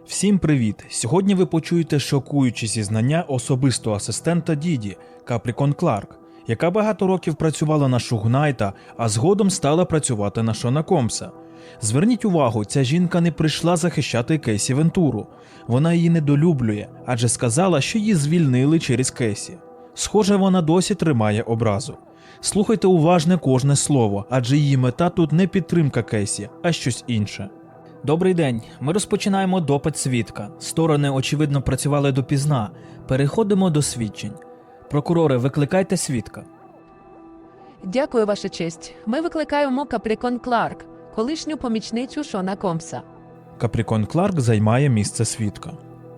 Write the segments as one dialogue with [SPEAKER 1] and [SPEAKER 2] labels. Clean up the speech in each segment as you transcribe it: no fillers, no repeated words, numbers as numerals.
[SPEAKER 1] Всім привіт! Сьогодні ви почуєте шокуючі зізнання особистого асистента Діді Капрікон Кларк, яка багато років працювала на Шуг Найта, а згодом стала працювати на Шона Комса. Зверніть увагу, ця жінка не прийшла захищати Кейсі Вентуру. Вона її недолюблює, адже сказала, що її звільнили через Кейсі. Схоже, вона досі тримає образу. Слухайте уважно кожне слово, адже її мета тут не підтримка Кейсі, а щось інше. Добрий день. Ми розпочинаємо допит свідка. Сторони, очевидно, працювали допізна. Переходимо до свідчень. Прокурори, викликайте свідка.
[SPEAKER 2] Дякую, Ваша честь. Ми викликаємо Капрікон Кларк, колишню помічницю Шона Комса.
[SPEAKER 1] Капрікон Кларк займає місце свідка.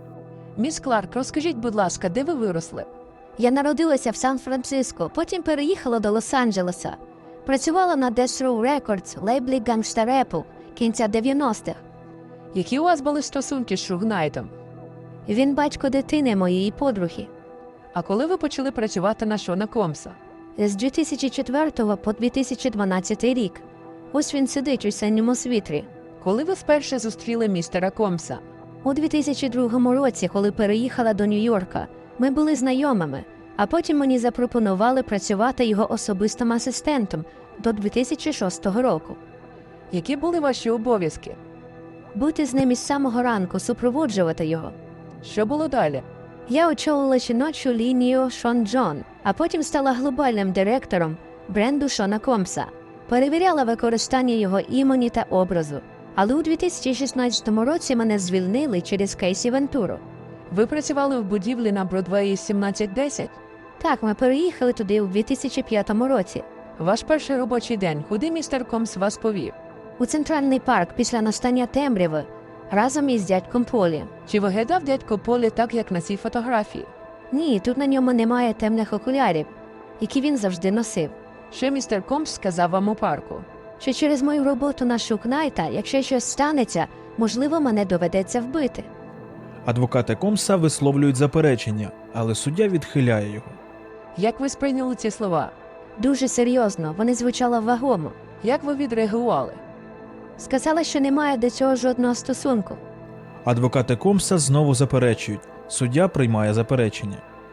[SPEAKER 2] Міс Кларк, розкажіть, будь ласка, де ви виросли?
[SPEAKER 3] Я народилася в Сан-Франциско, потім переїхала до Лос-Анджелеса. Працювала на Death Row Records, лейблі гангста-репу кінця 90-х.
[SPEAKER 2] Які у вас були стосунки з Шуг Найтом?
[SPEAKER 3] Він батько дитини моєї подруги.
[SPEAKER 2] А коли ви почали працювати на Шона Комса?
[SPEAKER 3] З 2004 по 2012 рік. Ось він сидить у синьому світрі.
[SPEAKER 2] Коли ви вперше зустріли містера Комса?
[SPEAKER 3] У 2002 році, коли переїхала до Нью-Йорка, ми були знайомими, а потім мені запропонували працювати його особистим асистентом до 2006 року.
[SPEAKER 2] Які були ваші обов'язки?
[SPEAKER 3] Бути з ним із самого ранку, супроводжувати його.
[SPEAKER 2] Що було далі?
[SPEAKER 3] Я очолила жіночу лінію Шон Джон, а потім стала глобальним директором бренду Шона Комса. Перевіряла використання його імені та образу. Але у 2016 році мене звільнили через Кейсі Вентуру.
[SPEAKER 2] Ви працювали в будівлі на Бродвеї 1710?
[SPEAKER 3] Так, ми переїхали туди у 2005 році.
[SPEAKER 2] Ваш перший робочий день, куди містер Комс вас повів?
[SPEAKER 3] У Центральний парк після настання темряви, разом із дядьком Полі.
[SPEAKER 2] Чи виглядав дядько Полі так, як на цій фотографії?
[SPEAKER 3] Ні, тут на ньому немає темних окулярів, які він завжди носив.
[SPEAKER 2] Що містер Комс сказав вам у парку?
[SPEAKER 3] Що через мою роботу на Шуг Найта, якщо щось станеться, можливо, мене доведеться вбити.
[SPEAKER 1] Адвокати Комса висловлюють заперечення, але суддя відхиляє його.
[SPEAKER 2] Як ви сприйняли ці слова?
[SPEAKER 3] Дуже серйозно, вони звучали вагомо.
[SPEAKER 2] Як ви відреагували?
[SPEAKER 3] Сказала, що немає до цього жодного стосунку.
[SPEAKER 1] Адвокати Комса знову заперечують. Суддя приймає заперечення.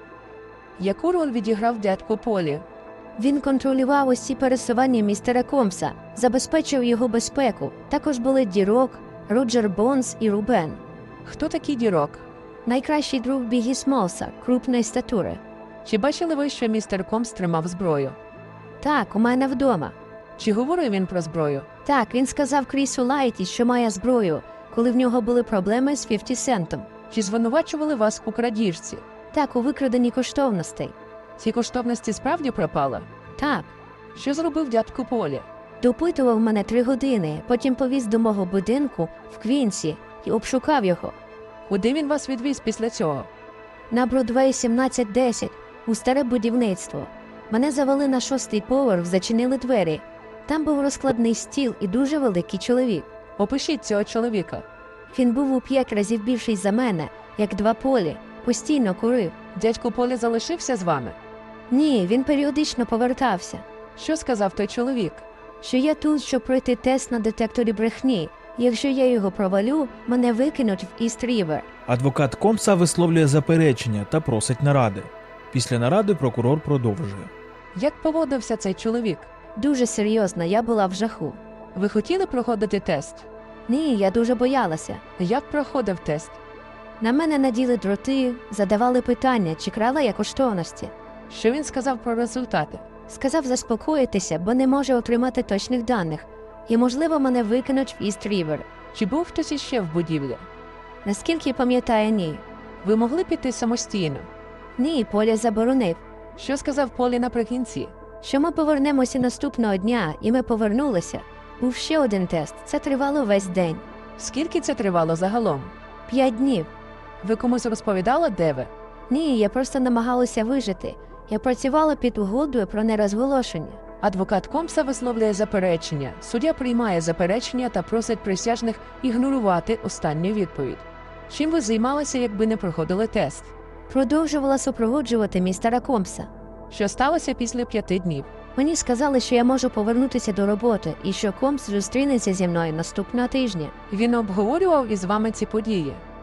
[SPEAKER 2] Яку роль відіграв дядько Полі?
[SPEAKER 3] Він контролював усі пересування містера Комса, забезпечив його безпеку. Також були Дірок, Роджер Бонс і Рубен.
[SPEAKER 2] Хто такий Дірок?
[SPEAKER 3] Найкращий друг Бігі Смолса, крупної статури.
[SPEAKER 2] Чи бачили ви, що містер Комс тримав зброю?
[SPEAKER 3] Так, у мене вдома.
[SPEAKER 2] Чи говорив він про зброю?
[SPEAKER 3] Так, він сказав Крісу Лайті, що має зброю, коли в нього були проблеми з 50 Центом.
[SPEAKER 2] Чи звинувачували вас у крадіжці?
[SPEAKER 3] Так, у викраденні коштовностей.
[SPEAKER 2] Ці коштовності справді пропали?
[SPEAKER 3] Так.
[SPEAKER 2] Що зробив дядько Полі?
[SPEAKER 3] Допитував мене 3 години, потім повіз до мого будинку в Квінсі і обшукав його.
[SPEAKER 2] Куди він вас відвіз після цього?
[SPEAKER 3] На Бродвей 1710, у старе будівництво. Мене завели на 6-й поверх, зачинили двері. Там був розкладний стіл і дуже великий чоловік.
[SPEAKER 2] Опишіть цього чоловіка.
[SPEAKER 3] Він був у 5 разів більший за мене, як 2 Полі, постійно курив.
[SPEAKER 2] Дядько Полі залишився з вами?
[SPEAKER 3] Ні, він періодично повертався.
[SPEAKER 2] Що сказав той чоловік?
[SPEAKER 3] Що я тут, щоб пройти тест на детекторі брехні. Якщо я його провалю, мене викинуть в Іст-Рівер.
[SPEAKER 1] Адвокат Комса висловлює заперечення та просить наради. Після наради прокурор продовжує.
[SPEAKER 2] Як поводився цей чоловік?
[SPEAKER 3] Дуже серйозно, я була в жаху.
[SPEAKER 2] Ви хотіли проходити тест?
[SPEAKER 3] Ні, я дуже боялася.
[SPEAKER 2] Як проходив тест?
[SPEAKER 3] На мене наділи дроти, задавали питання, чи крала я коштовності.
[SPEAKER 2] Що він сказав про результати?
[SPEAKER 3] Сказав заспокоїтися, бо не може отримати точних даних. І, можливо, мене викинуть в Іст-Рівер.
[SPEAKER 2] Чи був хтось іще в будівлі?
[SPEAKER 3] Наскільки пам'ятаю, ні.
[SPEAKER 2] Ви могли піти самостійно?
[SPEAKER 3] Ні, Поля заборонив.
[SPEAKER 2] Що сказав Полі наприкінці?
[SPEAKER 3] Що ми повернемося наступного дня, і ми повернулися. Був ще один тест. Це тривало весь день.
[SPEAKER 2] Скільки це тривало загалом?
[SPEAKER 3] 5 днів.
[SPEAKER 2] Ви комусь розповідали, де ви?
[SPEAKER 3] Ні, я просто намагалася вижити. Я працювала під угодою про нерозголошення.
[SPEAKER 2] Адвокат Комса висловлює заперечення. Суддя приймає заперечення та просить присяжних ігнорувати останню відповідь. Чим ви займалися, якби не проходили тест?
[SPEAKER 3] Продовжувала супроводжувати містера Комса.
[SPEAKER 2] Що сталося після 5 днів?
[SPEAKER 3] Мені сказали, що я можу повернутися до роботи і що Комс зустрінеться зі мною наступного тижня.
[SPEAKER 2] Він обговорював із вами ці події?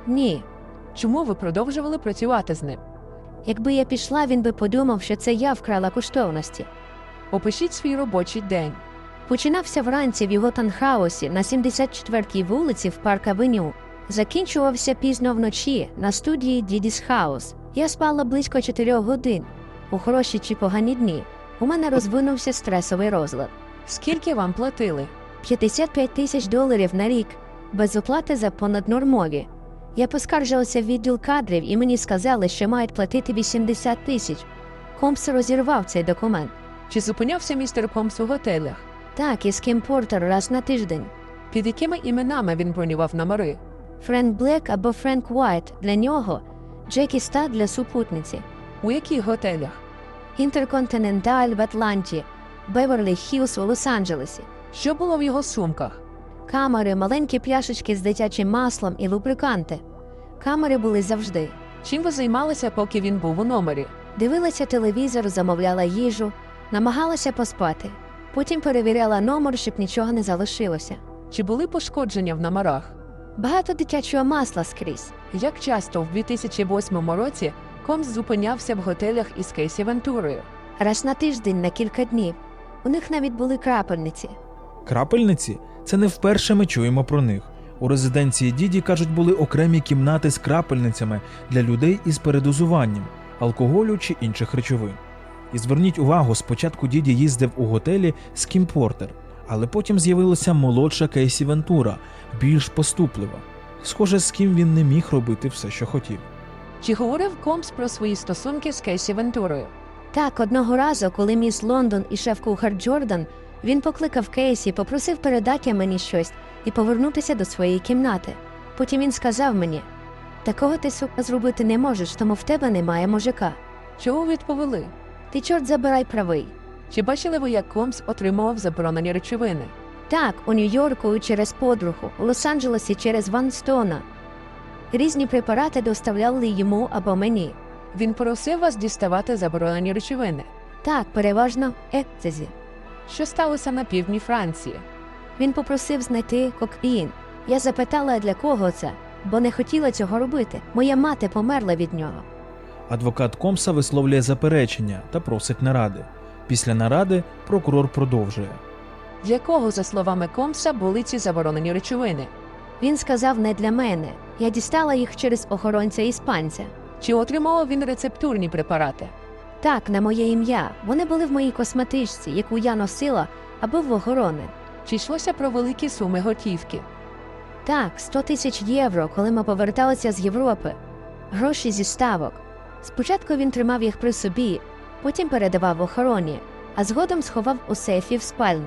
[SPEAKER 3] Ні.
[SPEAKER 2] Чому ви продовжували працювати з ним?
[SPEAKER 3] Якби я пішла, він би подумав, що це я вкрала коштовності.
[SPEAKER 2] Опишіть свій робочий день.
[SPEAKER 3] Починався вранці в його танхаусі на 74-й вулиці в Парк-авеню. Закінчувався пізно вночі на студії Дідіс Хаус. Я спала близько 4 годин. У хороші чи погані дні у мене розвинувся стресовий розлад.
[SPEAKER 2] Скільки вам платили?
[SPEAKER 3] $55,000 на рік, без оплати за понаднормові. Я поскаржилася в відділ кадрів і мені сказали, що мають платити 80 тисяч. Компс розірвав цей документ.
[SPEAKER 2] Чи зупинявся містер Комс у готелях?
[SPEAKER 3] Так, із Кім Портер раз на тиждень.
[SPEAKER 2] Під якими іменами він бронював номери?
[SPEAKER 3] Френк Блек або Френк Уайт для нього, Джекі Стат для супутниці.
[SPEAKER 2] У яких готелях?
[SPEAKER 3] Інтерконтиненталь в Атланті, Беверлі Хіллз у Лос-Анджелесі.
[SPEAKER 2] Що було в його сумках?
[SPEAKER 3] Камери, маленькі пляшечки з дитячим маслом і лубриканти. Камери були завжди.
[SPEAKER 2] Чим ви займалися, поки він був у номері?
[SPEAKER 3] Дивилася телевізор, замовляла їжу, намагалася поспати. Потім перевіряла номер, щоб нічого не залишилося.
[SPEAKER 2] Чи були пошкодження в номерах?
[SPEAKER 3] Багато дитячого масла скрізь.
[SPEAKER 2] Як часто в 2008 році Комс зупинявся в готелях із Кейсі Вентурою?
[SPEAKER 3] Раз на тиждень на кілька днів. У них навіть були крапельниці.
[SPEAKER 1] Крапельниці – це не вперше ми чуємо про них. У резиденції Діді, кажуть, були окремі кімнати з крапельницями для людей із передозуванням, алкоголю чи інших речовин. І зверніть увагу, спочатку Діді їздив у готелі з Кім Портер, але потім з'явилася молодша Кейсі Вентура, більш поступлива. Схоже, з ким він не міг робити все, що хотів.
[SPEAKER 2] Чи говорив Комс про свої стосунки з Кейсі Вентурою?
[SPEAKER 3] Так, одного разу, коли міс Лондон і шеф-кухар Джордан, він покликав Кейсі, попросив передати мені щось і повернутися до своєї кімнати. Потім він сказав мені: «Такого ти, сука, зробити не можеш, тому в тебе немає мужика.
[SPEAKER 2] Чого відповіли?
[SPEAKER 3] Ти, чорт забирай, правий».
[SPEAKER 2] Чи бачили ви, як Комс отримував заборонені речовини?
[SPEAKER 3] Так, у Нью-Йорку через подругу, у Лос-Анджелесі через Ван Стона. Різні препарати доставляли йому або мені.
[SPEAKER 2] Він просив вас діставати заборонені речовини.
[SPEAKER 3] Так, переважно екстазі.
[SPEAKER 2] Що сталося на півдні Франції?
[SPEAKER 3] Він попросив знайти кокаїн. Я запитала, для кого це, бо не хотіла цього робити. Моя мати померла від нього.
[SPEAKER 1] Адвокат Комса висловлює заперечення та просить наради. Після наради прокурор продовжує.
[SPEAKER 2] Для кого, за словами Комса, були ці заборонені речовини?
[SPEAKER 3] Він сказав, не для мене. Я дістала їх через охоронця-іспанця.
[SPEAKER 2] Чи отримував він рецептурні препарати?
[SPEAKER 3] Так, на моє ім'я. Вони були в моїй косметичці, яку я носила, або в охорони.
[SPEAKER 2] Чи йшлося про великі суми готівки?
[SPEAKER 3] Так, 100 тисяч євро, коли ми поверталися з Європи. Гроші зі ставок. Спочатку він тримав їх при собі, потім передавав охороні, а згодом сховав у сейфі в спальні.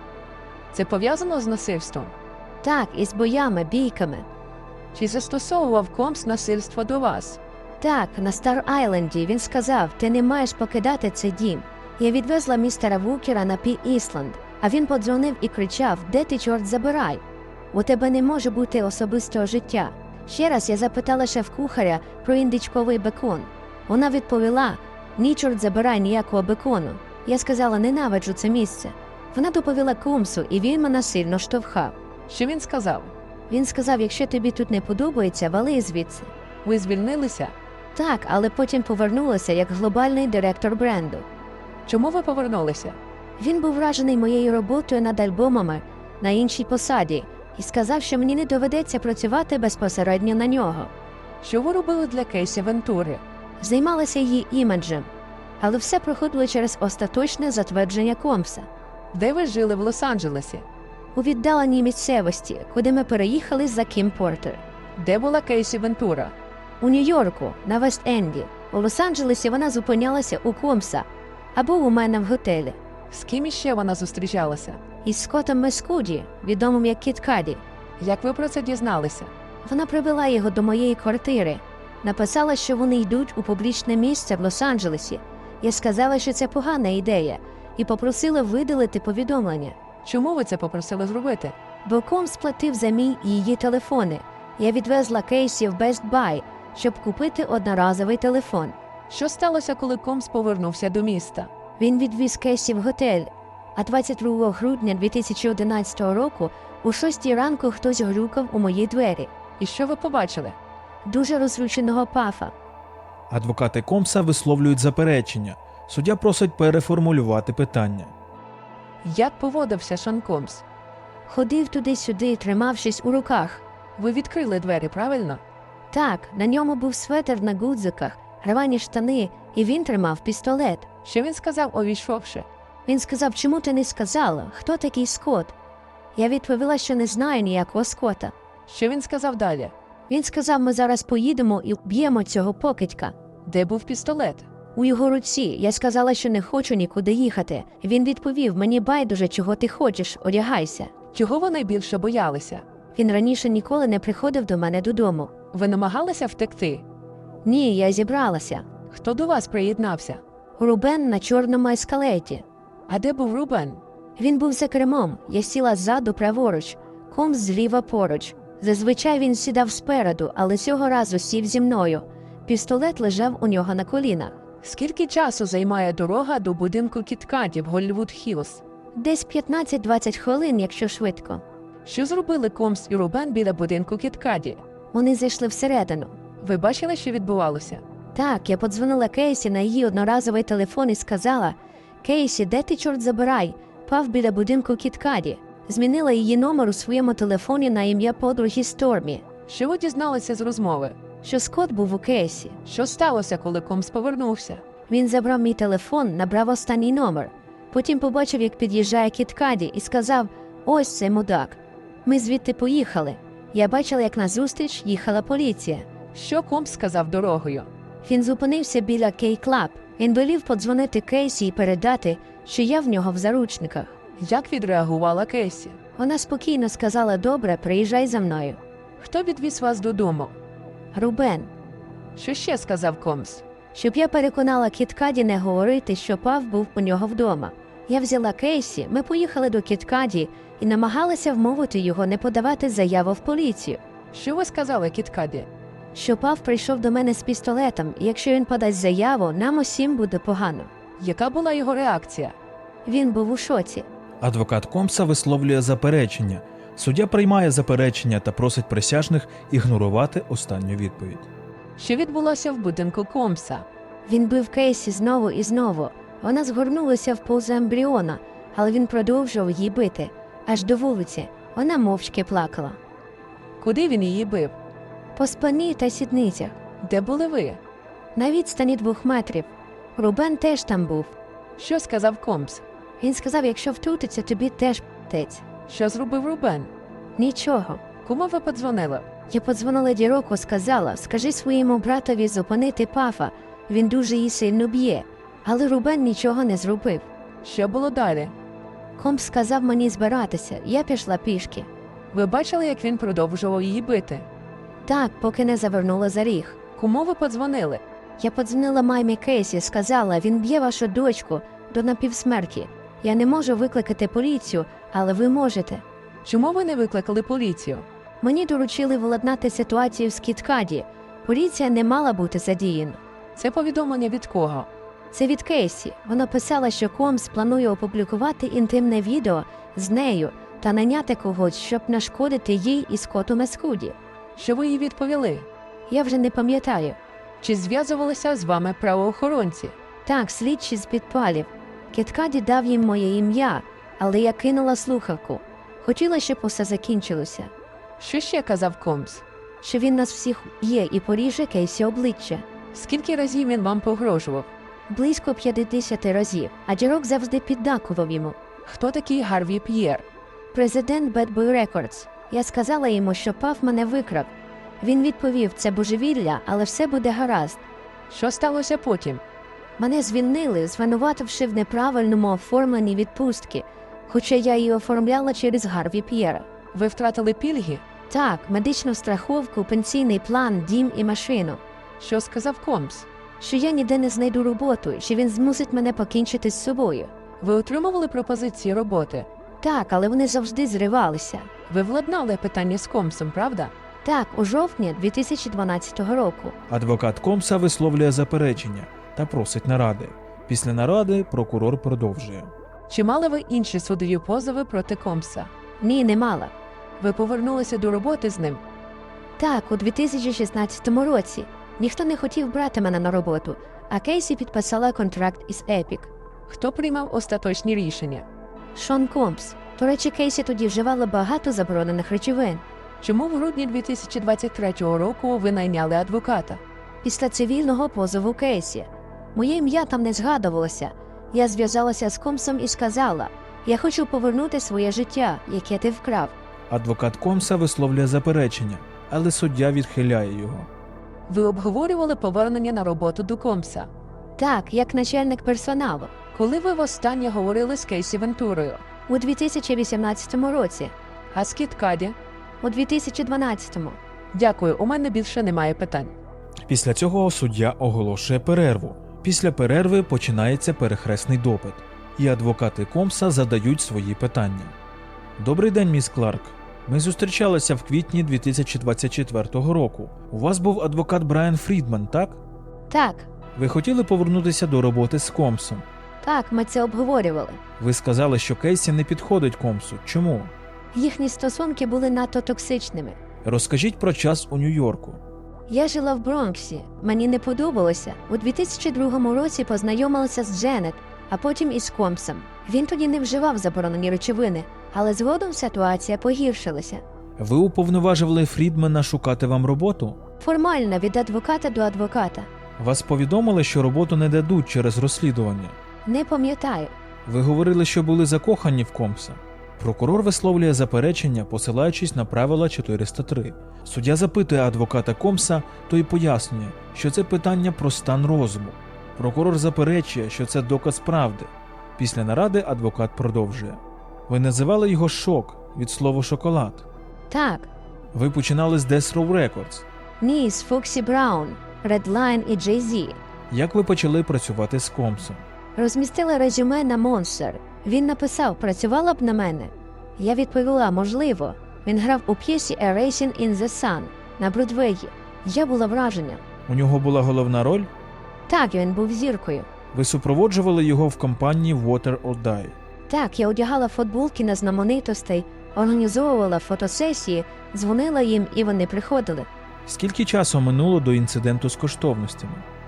[SPEAKER 2] Це пов'язано з насильством?
[SPEAKER 3] Так, із боями, бійками.
[SPEAKER 2] Чи застосовував Комс насильство до вас?
[SPEAKER 3] Так, на Стар-Айленді він сказав, ти не маєш покидати цей дім. Я відвезла містера Вукера на Пі-Ісланд, а він подзвонив і кричав, де ти, чорт, забирай? У тебе не може бути особистого життя. Ще раз я запитала шеф-кухаря про індичковий бекон. Вона відповіла, ні, чорт, забирай ніякого бекону. Я сказала, ненавиджу це місце. Вона доповіла Комсу, і він мене сильно штовхав.
[SPEAKER 2] Що він сказав?
[SPEAKER 3] Він сказав, якщо тобі тут не подобається, вали звідси.
[SPEAKER 2] Ви звільнилися?
[SPEAKER 3] Так, але потім повернулася як глобальний директор бренду.
[SPEAKER 2] Чому ви повернулися?
[SPEAKER 3] Він був вражений моєю роботою над альбомами на іншій посаді і сказав, що мені не доведеться працювати безпосередньо на нього.
[SPEAKER 2] Що ви робили для Кейсі Вентури?
[SPEAKER 3] Займалася її іміджем, але все проходило через остаточне затвердження Комса.
[SPEAKER 2] Де ви жили в Лос-Анджелесі?
[SPEAKER 3] У віддаленій місцевості, куди ми переїхали за Кім Портер.
[SPEAKER 2] Де була Кейсі Вентура?
[SPEAKER 3] У Нью-Йорку, на Вест-Енді. У Лос-Анджелесі вона зупинялася у Комса або у мене в готелі.
[SPEAKER 2] З ким іще вона зустрічалася?
[SPEAKER 3] Із Скоттом Мескуді, відомим як Кіт Каді.
[SPEAKER 2] Як ви про це дізналися?
[SPEAKER 3] Вона привела його до моєї квартири. Написала, що вони йдуть у публічне місце в Лос-Анджелесі. Я сказала, що це погана ідея, і попросила видалити повідомлення.
[SPEAKER 2] Чому ви це попросили зробити?
[SPEAKER 3] Бо Комс платив за мій і її телефони. Я відвезла Кейсі в Best Buy, щоб купити одноразовий телефон.
[SPEAKER 2] Що сталося, коли Комс повернувся до міста?
[SPEAKER 3] Він відвіз Кейсі в готель. А 22 грудня 2011 року о 6 ранку хтось грюкав у мої двері.
[SPEAKER 2] І що ви побачили?
[SPEAKER 3] дуже розлюченого Пафа.
[SPEAKER 1] Адвокати Комса висловлюють заперечення. Суддя просить переформулювати питання.
[SPEAKER 2] Як поводився Шон Комс?
[SPEAKER 3] Ходив туди-сюди, тримавшись у руках.
[SPEAKER 2] Ви відкрили двері, правильно?
[SPEAKER 3] Так, на ньому був светр на гудзиках, рвані штани, і він тримав пістолет.
[SPEAKER 2] Що він сказав, увійшовши?
[SPEAKER 3] Він сказав, чому ти не сказала, хто такий Скотт? Я відповіла, що не знаю ніякого Скотта.
[SPEAKER 2] Що він сказав далі?
[SPEAKER 3] Він сказав, ми зараз поїдемо і вб'ємо цього покидька.
[SPEAKER 2] Де був пістолет?
[SPEAKER 3] У його руці. Я сказала, що не хочу нікуди їхати. Він відповів, мені байдуже, чого ти хочеш, одягайся.
[SPEAKER 2] Чого ви найбільше боялися?
[SPEAKER 3] Він раніше ніколи не приходив до мене додому.
[SPEAKER 2] Ви намагалися втекти?
[SPEAKER 3] Ні, я зібралася.
[SPEAKER 2] Хто до вас приєднався?
[SPEAKER 3] Рубен на чорному ескалеті.
[SPEAKER 2] А де був Рубен?
[SPEAKER 3] Він був за кермом, я сіла ззаду праворуч, Комс зліва поруч. Зазвичай він сідав спереду, але цього разу сів зі мною. Пістолет лежав у нього на колінах.
[SPEAKER 2] Скільки часу займає дорога до будинку Кіткаді в Голлівуд Хіллз?
[SPEAKER 3] Десь 15-20 хвилин, якщо швидко.
[SPEAKER 2] Що зробили Комс і Рубен біля будинку Кіткаді?
[SPEAKER 3] Вони зайшли всередину.
[SPEAKER 2] Ви бачили, що відбувалося?
[SPEAKER 3] Так, я подзвонила Кейсі на її одноразовий телефон і сказала: «Кейсі, де ти, чорт забирай? Пав біля будинку Кіткаді». Змінила її номер у своєму телефоні на ім'я подруги Стормі.
[SPEAKER 2] Що ви дізналися з розмови?
[SPEAKER 3] Що Скотт був у Кейсі.
[SPEAKER 2] Що сталося, коли Комс повернувся?
[SPEAKER 3] Він забрав мій телефон, набрав останній номер. Потім побачив, як під'їжджає Кіткаді, і сказав: «Ось цей мудак». Ми звідти поїхали. Я бачила, як назустріч їхала поліція.
[SPEAKER 2] Що Комс сказав дорогою?
[SPEAKER 3] Він зупинився біля Кей-Клаб. Він велів подзвонити Кейсі і передати, що я в нього в заручниках.
[SPEAKER 2] Як відреагувала Кейсі?
[SPEAKER 3] Вона спокійно сказала: «Добре, приїжджай за мною».
[SPEAKER 2] Хто відвіз вас додому?
[SPEAKER 3] Рубен.
[SPEAKER 2] Що ще сказав Комс?
[SPEAKER 3] Щоб я переконала Кіткаді не говорити, що Пав був у нього вдома. Я взяла Кейсі, ми поїхали до Кіткаді і намагалися вмовити його не подавати заяву в поліцію.
[SPEAKER 2] Що ви сказали Кіткаді?
[SPEAKER 3] Що Пав прийшов до мене з пістолетом, і якщо він подасть заяву, нам усім буде погано.
[SPEAKER 2] Яка була його реакція?
[SPEAKER 3] Він був у шоці.
[SPEAKER 1] Адвокат Комса висловлює заперечення. Суддя приймає заперечення та просить присяжних ігнорувати останню відповідь.
[SPEAKER 2] Що відбулося в будинку Комса?
[SPEAKER 3] Він бив Кейсі знову і знову. Вона згорнулася в позу ембріона, але він продовжував її бити. Аж до вулиці. Вона мовчки плакала.
[SPEAKER 2] Куди він її бив?
[SPEAKER 3] По спині та сідницях.
[SPEAKER 2] Де були ви?
[SPEAKER 3] На відстані 2 метрів. Рубен теж там був.
[SPEAKER 2] Що сказав Комс?
[SPEAKER 3] Він сказав, якщо втрутиться, тобі теж п***тець.
[SPEAKER 2] Що зробив Рубен?
[SPEAKER 3] Нічого.
[SPEAKER 2] Кому ви подзвонили?
[SPEAKER 3] Я подзвонила Діроку, сказала: «Скажи своєму братові зупинити Пафа, він дуже її сильно б'є». Але Рубен нічого не зробив.
[SPEAKER 2] Що було далі?
[SPEAKER 3] Комс сказав мені збиратися, я пішла пішки.
[SPEAKER 2] Ви бачили, як він продовжував її бити?
[SPEAKER 3] Так, поки не завернула за ріг.
[SPEAKER 2] Кому ви подзвонили?
[SPEAKER 3] Я подзвонила мамі Кейсі, сказала: «Він б'є вашу дочку до напівсмерті. Я не можу викликати поліцію, але ви можете».
[SPEAKER 2] Чому ви не викликали поліцію?
[SPEAKER 3] Мені доручили владнати ситуацію в Кіткаді. Поліція не мала бути задіяна.
[SPEAKER 2] Це повідомлення від кого?
[SPEAKER 3] Це від Кейсі. Вона писала, що Комс планує опублікувати інтимне відео з нею та наняти когось, щоб нашкодити їй і Скотту Мескуді.
[SPEAKER 2] Що ви їй відповіли?
[SPEAKER 3] Я вже не пам'ятаю.
[SPEAKER 2] Чи зв'язувалися з вами правоохоронці?
[SPEAKER 3] Так, слідчі з підпалів. Кіткаді дав їм моє ім'я, але я кинула слухавку. Хотіла, щоб усе закінчилося.
[SPEAKER 2] Що ще казав Комс?
[SPEAKER 3] Що він нас всіх є і поріже Кейсі обличчя.
[SPEAKER 2] Скільки разів він вам погрожував?
[SPEAKER 3] Близько 50 разів, а Дірок завжди піддакував йому.
[SPEAKER 2] Хто такий Гарві П'єр?
[SPEAKER 3] Президент Bad Boy Records. Я сказала йому, що Пав мене викрав. Він відповів: «Це божевілля, але все буде гаразд».
[SPEAKER 2] Що сталося потім?
[SPEAKER 3] Мене звільнили, звинувативши в неправильному оформленні відпустки, хоча я її оформляла через Гарві П'єра.
[SPEAKER 2] Ви втратили пільги?
[SPEAKER 3] Так, медичну страховку, пенсійний план, дім і машину.
[SPEAKER 2] Що сказав Комс?
[SPEAKER 3] Що я ніде не знайду роботу, що він змусить мене покінчити з собою.
[SPEAKER 2] Ви отримували пропозиції роботи?
[SPEAKER 3] Так, але вони завжди зривалися.
[SPEAKER 2] Ви владнали питання з Комсом, правда?
[SPEAKER 3] Так, у жовтні 2012 року.
[SPEAKER 1] Адвокат Комса висловлює заперечення та просить наради. Після наради прокурор продовжує.
[SPEAKER 2] Чи мали ви інші судові позови проти Комса?
[SPEAKER 3] Ні, не мала.
[SPEAKER 2] Ви повернулися до роботи з ним?
[SPEAKER 3] Так, у 2016 році. Ніхто не хотів брати мене на роботу, а Кейсі підписала контракт із Epic.
[SPEAKER 2] Хто приймав остаточні рішення?
[SPEAKER 3] Шон Комс. До речі, Кейсі тоді вживала багато заборонених речовин.
[SPEAKER 2] Чому в грудні 2023 року ви найняли адвоката?
[SPEAKER 3] Після цивільного позову Кейсі. Моє ім'я там не згадувалося. Я зв'язалася з Комсом і сказала, я хочу повернути своє життя, яке ти вкрав.
[SPEAKER 1] Адвокат Комса висловлює заперечення, але суддя відхиляє його.
[SPEAKER 2] Ви обговорювали повернення на роботу до Комса.
[SPEAKER 3] Так, як начальник персоналу.
[SPEAKER 2] Коли ви востаннє говорили з Кейсі Вентурою?
[SPEAKER 3] У 2018 році.
[SPEAKER 2] А з Кіт Каді?
[SPEAKER 3] У 2012-му.
[SPEAKER 2] Дякую, у мене більше немає питань.
[SPEAKER 1] Після цього суддя оголошує перерву. Після перерви починається перехресний допит, і адвокати Комса задають свої питання. Добрий день, міс Кларк. Ми зустрічалися в квітні 2024 року. У вас був адвокат Брайан Фрідман, так?
[SPEAKER 3] Так,
[SPEAKER 1] Ви хотіли повернутися до роботи з Комсом.
[SPEAKER 3] так, ми це обговорювали.
[SPEAKER 1] Ви сказали, що Кейсі не підходить Комсу. Чому?
[SPEAKER 3] Їхні стосунки були надто токсичними.
[SPEAKER 1] Розкажіть про час у Нью-Йорку.
[SPEAKER 3] Я жила в Бронксі, мені не подобалося. У 2002 році познайомилася з Дженет, а потім із Комсом. Він тоді не вживав заборонені речовини, але згодом ситуація погіршилася.
[SPEAKER 1] Ви уповноважували Фрідмана шукати вам роботу?
[SPEAKER 3] Формально від адвоката до адвоката.
[SPEAKER 1] Вас повідомили, що роботу не дадуть через розслідування.
[SPEAKER 3] Не пам'ятаю.
[SPEAKER 1] Ви говорили, що були закохані в Комса. Прокурор висловлює заперечення, посилаючись на правила 403. Суддя запитує адвоката Комса, той пояснює, що це питання про стан розуму. Прокурор заперечує, що це доказ правди. Після наради адвокат продовжує. Ви називали його «шок» від слова «шоколад».
[SPEAKER 3] Так,
[SPEAKER 1] Ви починали з Death Row Records.
[SPEAKER 3] ні, з Фоксі Браун, Redline і Jay-Z.
[SPEAKER 1] Як ви почали працювати з Комсом?
[SPEAKER 3] Розмістила резюме на Monster. Він написав, працювала б на мене. Я відповіла, можливо. Він грав у п'єсі A Racing in the Sun на Бродвеї. Я була вражена.
[SPEAKER 1] У нього була головна роль?
[SPEAKER 3] Так, він був зіркою.
[SPEAKER 1] Ви супроводжували його в кампанії Water or Die.
[SPEAKER 3] Так, я одягала футболки на знаменитостей, організовувала фотосесії, дзвонила їм і вони приходили.
[SPEAKER 1] Скільки часу минуло до інциденту з коштовностями?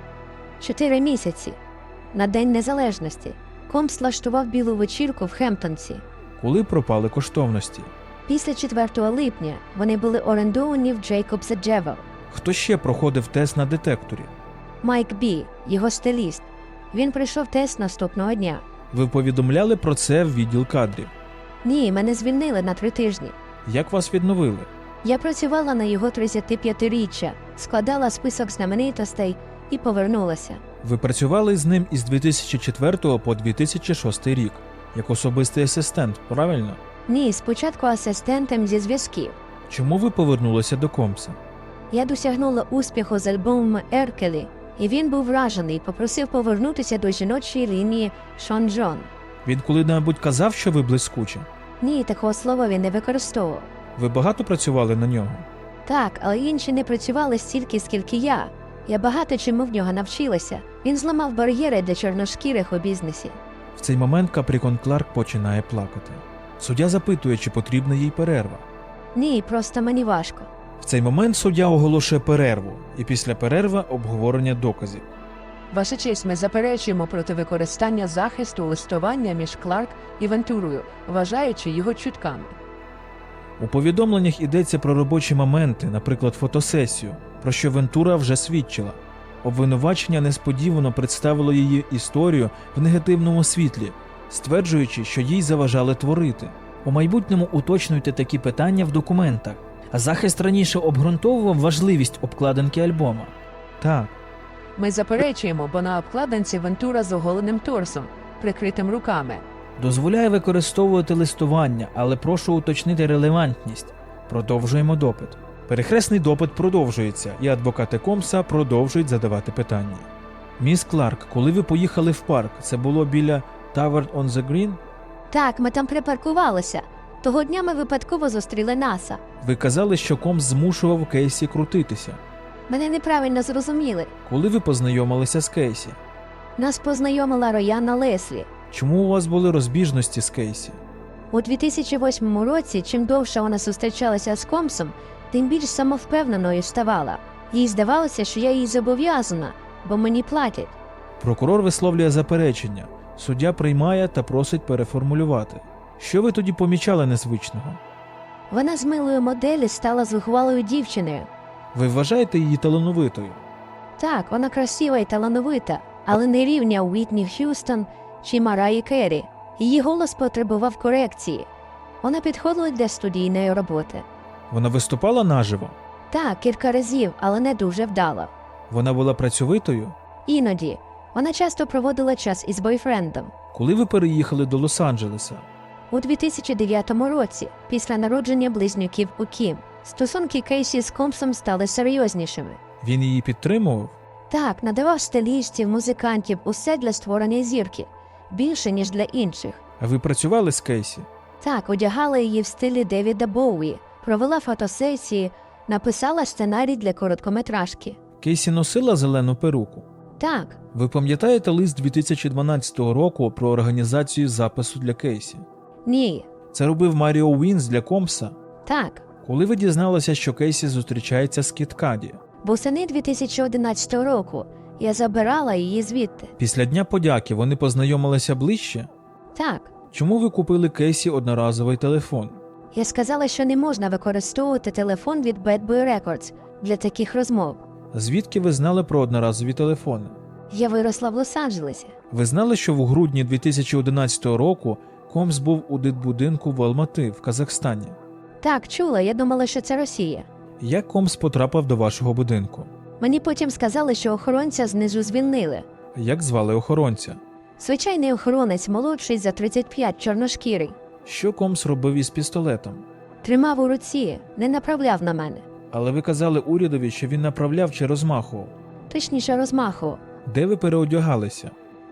[SPEAKER 3] 4 місяці. На День Незалежності. Комс влаштував білу вечірку в Хемптонсі.
[SPEAKER 1] Коли пропали коштовності?
[SPEAKER 3] Після 4 липня вони були орендовані в Jacobs Jewel.
[SPEAKER 1] Хто ще проходив тест на детекторі?
[SPEAKER 3] Майк Бі, його стиліст. Він прийшов тест наступного дня.
[SPEAKER 1] Ви повідомляли про це в відділ кадрів.
[SPEAKER 3] Ні, мене звільнили на 3 тижні.
[SPEAKER 1] Як вас відновили?
[SPEAKER 3] Я працювала на його 35-річчя, складала список знаменитостей і повернулася.
[SPEAKER 1] Ви працювали з ним із 2004 по 2006 рік, як особистий асистент, правильно?
[SPEAKER 3] Ні, спочатку асистентом зі зв'язків.
[SPEAKER 1] Чому ви повернулися до Комса?
[SPEAKER 3] Я досягнула успіху з альбомом «Еркелі», і він був вражений і попросив повернутися до жіночої лінії Шон Джон.
[SPEAKER 1] Він коли-небудь казав, що ви блискучі?
[SPEAKER 3] Ні, такого слова він не використовував.
[SPEAKER 1] Ви багато працювали на нього?
[SPEAKER 3] Так, але інші не працювали стільки, скільки я. Я багато чому в нього навчилася. Він зламав бар'єри для чорношкірих у бізнесі.
[SPEAKER 1] В цей момент Капрікон Кларк починає плакати. Суддя запитує, чи потрібна їй перерва.
[SPEAKER 3] Ні, просто мені важко.
[SPEAKER 1] В цей момент суддя оголошує перерву, і після перерви обговорення доказів.
[SPEAKER 2] Ваша честь, ми заперечуємо проти використання захисту листування між Кларк і Вентурою, вважаючи його чутками.
[SPEAKER 1] У повідомленнях йдеться про робочі моменти, наприклад, фотосесію, про що Вентура вже свідчила. Обвинувачення несподівано представило її історію в негативному світлі, стверджуючи, що їй заважали творити.
[SPEAKER 4] У майбутньому уточнюйте такі питання в документах. А захист раніше обґрунтовував важливість обкладинки альбома.
[SPEAKER 1] Так,
[SPEAKER 2] Ми заперечуємо, бо на обкладинці Вентура з оголеним торсом, прикритим руками.
[SPEAKER 4] Дозволяє використовувати листування, але прошу уточнити релевантність. Продовжуємо допит.
[SPEAKER 1] перехресний допит продовжується, і адвокати Комса продовжують задавати питання. Міс Кларк, коли ви поїхали в парк, це було біля Tavern on the Green?
[SPEAKER 3] Так, ми там припаркувалися. Того дня ми випадково зустріли Наса.
[SPEAKER 1] Ви казали, що Комс змушував Кейсі крутитися.
[SPEAKER 3] Мене неправильно зрозуміли.
[SPEAKER 1] Коли ви познайомилися з Кейсі?
[SPEAKER 3] Нас познайомила Рояна Леслі.
[SPEAKER 1] Чому у вас були розбіжності з Кейсі?
[SPEAKER 3] У 2008 році, чим довше вона зустрічалася з Комсом, тим більш самовпевненою ставала. Їй здавалося, що я їй зобов'язана, бо мені платять.
[SPEAKER 1] Прокурор висловлює заперечення. Суддя приймає та просить переформулювати. Що ви тоді помічали незвичного?
[SPEAKER 3] Вона з милої моделі стала зухвалою дівчиною.
[SPEAKER 1] Ви вважаєте її талановитою?
[SPEAKER 3] Так, вона красива і талановита, але не рівня Уітні Х'юстон чи Мараї Керрі. Її голос потребував корекції. Вона підходила для студійної роботи.
[SPEAKER 1] Вона виступала наживо?
[SPEAKER 3] Так, кілька разів, але не дуже вдало.
[SPEAKER 1] Вона була працьовитою?
[SPEAKER 3] Іноді. Вона часто проводила час із бойфрендом.
[SPEAKER 1] Коли ви переїхали до Лос-Анджелеса?
[SPEAKER 3] У 2009 році, після народження близнюків у Кім, стосунки Кейсі з Компсом стали серйознішими.
[SPEAKER 1] Він її підтримував?
[SPEAKER 3] Так, надавав стилістів, музикантів, усе для створення зірки. Більше, ніж для інших.
[SPEAKER 1] А ви працювали з Кейсі?
[SPEAKER 3] Так, одягала її в стилі Девіда Боуї, провела фотосесії, написала сценарій для короткометражки.
[SPEAKER 1] Кейсі носила зелену перуку?
[SPEAKER 3] Так,
[SPEAKER 1] Ви пам'ятаєте лист 2012 року про організацію запису для Кейсі?
[SPEAKER 3] ні,
[SPEAKER 1] Це робив Маріо Уінс для Компса?
[SPEAKER 3] так.
[SPEAKER 1] Коли ви дізналися, що Кейсі зустрічається з Кід Каді?
[SPEAKER 3] Восени 2011 року я забирала її звідти.
[SPEAKER 1] Після Дня подяки вони познайомилися ближче?
[SPEAKER 3] Так,
[SPEAKER 1] Чому ви купили Кейсі одноразовий телефон?
[SPEAKER 3] я сказала, що не можна використовувати телефон від Bad Boy Records для таких розмов.
[SPEAKER 1] Звідки ви знали про одноразові телефони?
[SPEAKER 3] Я виросла в Лос-Анджелесі.
[SPEAKER 1] Ви знали, що в грудні 2011 року Компс був у дитбудинку в Алмати в Казахстані?
[SPEAKER 3] Так, чула, я думала, що це Росія.
[SPEAKER 1] Як Компс потрапив до вашого будинку?
[SPEAKER 3] Мені потім сказали, що охоронця знизу звільнили.
[SPEAKER 1] Як звали охоронця?
[SPEAKER 3] Звичайний охоронець, молодший за 35, чорношкірий.
[SPEAKER 1] Що Компс робив із пістолетом?
[SPEAKER 3] Тримав у руці, не направляв на мене.
[SPEAKER 1] Але ви казали урядові, що він направляв чи розмахував.
[SPEAKER 3] Точніше розмахував.
[SPEAKER 1] Де ви переодягалися?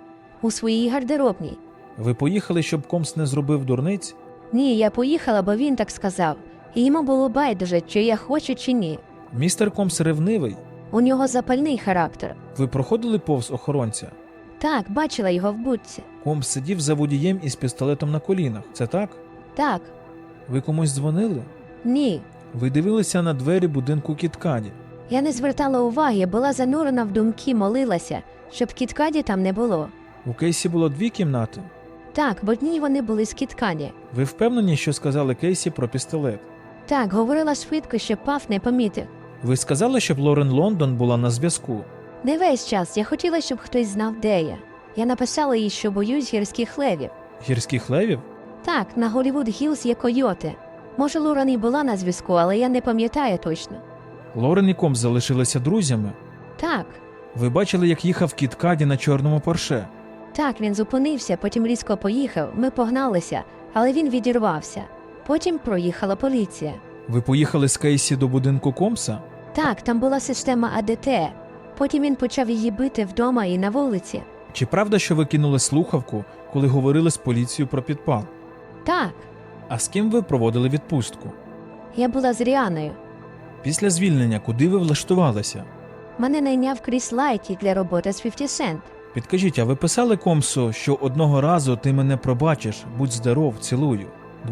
[SPEAKER 3] У своїй гардеробній.
[SPEAKER 1] Ви поїхали, щоб Компс не зробив дурниць?
[SPEAKER 3] Ні, я поїхала, бо він так сказав. І йому було байдуже, чи я хочу, чи ні.
[SPEAKER 1] Містер Компс ревнивий?
[SPEAKER 3] У нього запальний характер.
[SPEAKER 1] Ви проходили повз охоронця?
[SPEAKER 3] Так, бачила його в будці.
[SPEAKER 1] Компс сидів за водієм із пістолетом на колінах. Це так?
[SPEAKER 3] Так,
[SPEAKER 1] Ви комусь дзвонили?
[SPEAKER 3] ні.
[SPEAKER 1] Ви дивилися на двері будинку Кід Каді.
[SPEAKER 3] Я не звертала уваги, була занурена в думки, молилася, щоб Кіткаді там не було.
[SPEAKER 1] У Кейсі було 2 кімнати.
[SPEAKER 3] Так, в одній вони були з Кіткаді.
[SPEAKER 1] Ви впевнені, що сказали Кейсі про пістолет?
[SPEAKER 3] Так, говорила швидко, щоб Паф не помітив.
[SPEAKER 1] Ви сказали, щоб Лорен Лондон була на зв'язку.
[SPEAKER 3] Не весь час, я хотіла, щоб хтось знав, де я. Я написала їй, що боюсь гірських левів.
[SPEAKER 1] Гірських левів?
[SPEAKER 3] Так, на Голлівуд Гілз є койоти. Може, Лорен і була на зв'язку, але я не пам'ятаю точно.
[SPEAKER 1] Лорен і Компс залишилися друзями.
[SPEAKER 3] Так,
[SPEAKER 1] Ви бачили, як їхав Кід Каді на чорному Порше.
[SPEAKER 3] так, він зупинився, потім різко поїхав, ми погналися, але він відірвався. Потім проїхала поліція.
[SPEAKER 1] Ви поїхали з Кейсі до будинку Компса?
[SPEAKER 3] Так, там була система АДТ. Потім він почав її бити вдома і на вулиці.
[SPEAKER 1] Чи правда, що ви кинули слухавку, коли говорили з поліцією про підпал?
[SPEAKER 3] Так,
[SPEAKER 1] А з ким ви проводили відпустку?
[SPEAKER 3] я була з Ріаною.
[SPEAKER 1] Після звільнення куди ви влаштувалися?
[SPEAKER 3] Мене найняв Кріс Лайті для роботи з 50 Cent.
[SPEAKER 1] Підкажіть, а ви писали Компсу, що одного разу ти мене пробачиш, будь здоров, цілую,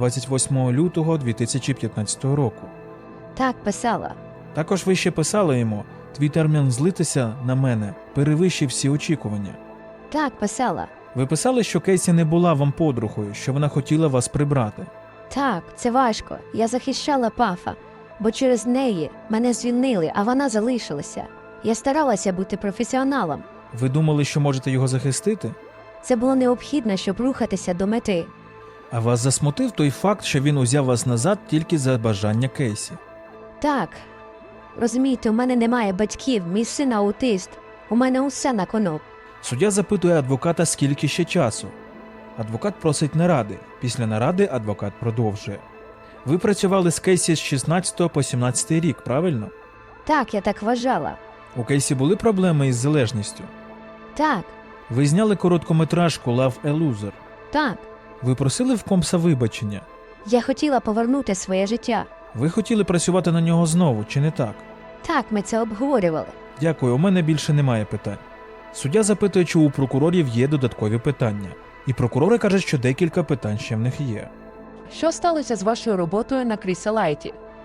[SPEAKER 1] 28 лютого 2015 року.
[SPEAKER 3] Так, писала.
[SPEAKER 1] Також ви ще писали йому, твій термін злитися на мене перевищив всі очікування.
[SPEAKER 3] Так, писала.
[SPEAKER 1] Ви писали, що Кейсі не була вам подругою, що вона хотіла вас прибрати.
[SPEAKER 3] Так, це важко. Я захищала Пафа, бо через неї мене звільнили, а вона залишилася. Я старалася бути професіоналом.
[SPEAKER 1] Ви думали, що можете його захистити?
[SPEAKER 3] Це було необхідно, щоб рухатися до мети.
[SPEAKER 1] А вас засмутив той факт, що він узяв вас назад тільки за бажання Кейсі?
[SPEAKER 3] Так. Розумієте, у мене немає батьків, мій син аутист. У мене усе на кону.
[SPEAKER 1] Суддя запитує адвоката, скільки ще часу. Адвокат просить наради. Після наради адвокат продовжує. Ви працювали з Кейсі з 16 по 17 рік, правильно?
[SPEAKER 3] Так, я так вважала.
[SPEAKER 1] У Кейсі були проблеми із залежністю?
[SPEAKER 3] Так,
[SPEAKER 1] Ви зняли короткометражку «Love a Loser».
[SPEAKER 3] так.
[SPEAKER 1] Ви просили в Компса вибачення?
[SPEAKER 3] Я хотіла повернути своє життя.
[SPEAKER 1] Ви хотіли працювати на нього знову, чи не так?
[SPEAKER 3] Так, ми це обговорювали.
[SPEAKER 1] Дякую, у мене більше немає питань. Суддя запитує, чи у прокурорів є додаткові питання. І прокурори кажуть, що декілька питань ще в них є.
[SPEAKER 2] Що сталося з вашою роботою на Кріса Лайті?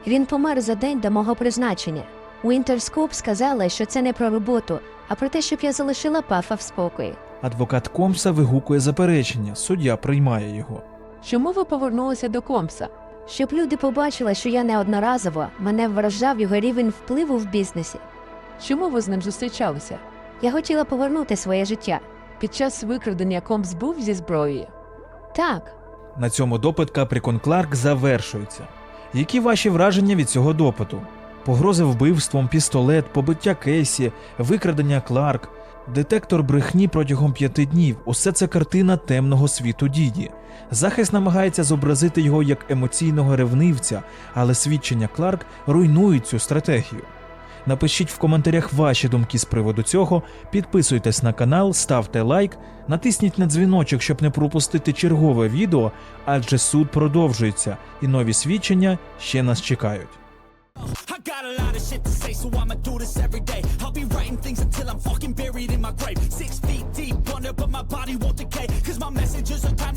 [SPEAKER 3] Він помер за день до мого призначення. У Інтерскоп сказали, що це не про роботу, а про те, щоб я залишила Пафа в спокої.
[SPEAKER 1] Адвокат Комса вигукує заперечення, суддя приймає його.
[SPEAKER 2] Чому ви повернулися до Комса?
[SPEAKER 3] Щоб люди побачили, що я неодноразово, мене вражав його рівень впливу в бізнесі.
[SPEAKER 2] Чому ви з ним зустрічалися?
[SPEAKER 3] Я хотіла повернути своє життя.
[SPEAKER 2] Під час викрадення Комс був зі зброєю?
[SPEAKER 3] Так,
[SPEAKER 1] На цьому допит Капрікон Кларк завершується. Які ваші враження від цього допиту? Погрози вбивством, пістолет, побиття Кейсі, викрадення Кларк, детектор брехні протягом 5 днів – усе це картина темного світу Діді. Захист намагається зобразити його як емоційного ревнивця, але свідчення Кларк руйнують цю стратегію. Напишіть в коментарях ваші думки з приводу цього, підписуйтесь на канал, ставте лайк, натисніть на дзвіночок, щоб не пропустити чергове відео, адже суд продовжується і нові свідчення ще нас чекають.
[SPEAKER 5] I got a lot of shit to say, so I'ma do this every day. I'll be writing things until I'm fucking buried in my grave. 6 feet deep under, but my body won't decay. Cause my messages are timeless.